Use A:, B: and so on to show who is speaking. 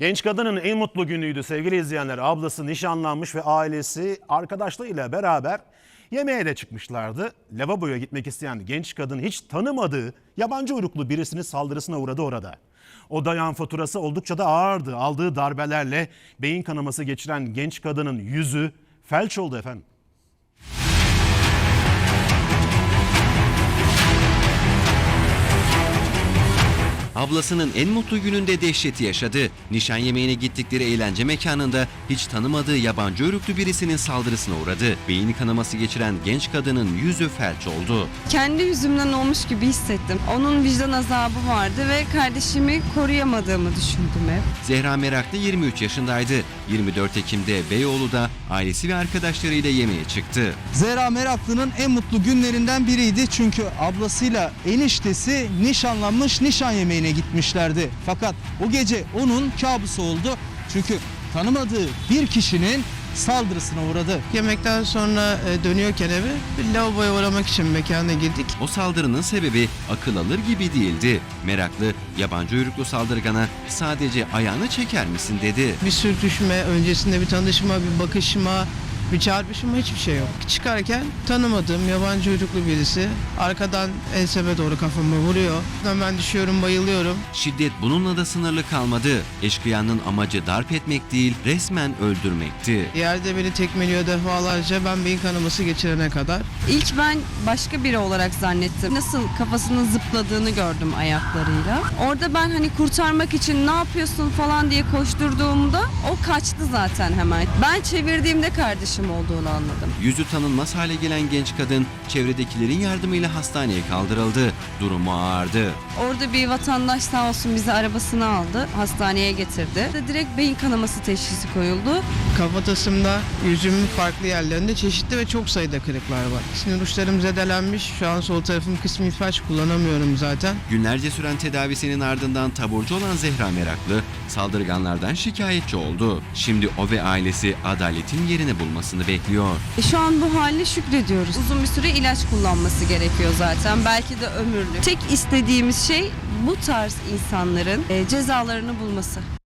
A: Genç kadının en mutlu günüydü sevgili izleyenler. Ablası nişanlanmış ve ailesi arkadaşlarıyla beraber yemeğe de çıkmışlardı. Lavaboya gitmek isteyen genç kadın hiç tanımadığı yabancı uyruklu birisinin saldırısına uğradı orada. O dayağın faturası oldukça da ağırdı. Aldığı darbelerle beyin kanaması geçiren genç kadının yüzü felç oldu efendim.
B: Ablasının en mutlu gününde dehşeti yaşadı. Nişan yemeğine gittikleri eğlence mekanında hiç tanımadığı yabancı uyruklu birisinin saldırısına uğradı. Beyin kanaması geçiren genç kadının yüzü felç oldu.
C: Kendi yüzümden olmuş gibi hissettim. Onun vicdan azabı vardı ve kardeşimi koruyamadığımı düşündüm hep.
B: Zehra Meraklı 23 yaşındaydı. 24 Ekim'de Beyoğlu'da ailesi ve arkadaşlarıyla yemeğe çıktı.
D: Zehra Meraklı'nın en mutlu günlerinden biriydi çünkü ablasıyla eniştesi nişanlanmış, nişan yemeğine gitmişlerdi. Fakat o gece onun kabusu oldu çünkü tanımadığı bir kişinin saldırısına uğradı.
E: Yemekten sonra dönüyorken eve bir lavaboya uğramak için mekana girdik.
B: O saldırının sebebi akıl alır gibi değildi. Meraklı yabancı uyruklu saldırgana sadece ayağını çeker misin dedi.
E: Bir sürtüşme, öncesinde bir tanışma, bir bakışma, bir çarpışma, hiçbir şey yok. Çıkarken tanımadığım yabancı uyruklu birisi arkadan enseme doğru kafamı vuruyor. Hemen düşüyorum, bayılıyorum.
B: Şiddet bununla da sınırlı kalmadı. Eşkıyanın amacı darp etmek değil, resmen öldürmekti.
E: Yerde beni tekmeliyor defalarca, ben beyin kanaması geçirene kadar.
C: İlk ben başka biri olarak zannettim. Nasıl kafasının zıpladığını gördüm ayaklarıyla. Orada ben hani kurtarmak için ne yapıyorsun falan diye koşturduğumda o kaçtı zaten hemen. Ben çevirdiğimde kardeşim olduğunu anladım.
B: Yüzü tanınmaz hale gelen genç kadın çevredekilerin yardımıyla hastaneye kaldırıldı. Durumu ağırdı.
C: Orada bir vatandaş sağ olsun bizi arabasına aldı, hastaneye getirdi. Direkt beyin kanaması teşhisi koyuldu.
E: Kafatasımda, yüzümün farklı yerlerinde çeşitli ve çok sayıda kırıklar var. Sinir uçlarım zedelenmiş. Şu an sol tarafım kısmi felç, kullanamıyorum zaten.
B: Günlerce süren tedavisinin ardından taburcu olan Zehra Meraklı saldırganlardan şikayetçi oldu. Şimdi o ve ailesi adaletin yerini bulmasını bekliyor.
C: Şu an bu haline şükrediyoruz. Uzun bir süre ilaç kullanması gerekiyor zaten. Belki de ömürlük. Tek istediğimiz şey bu tarz insanların cezalarını bulması.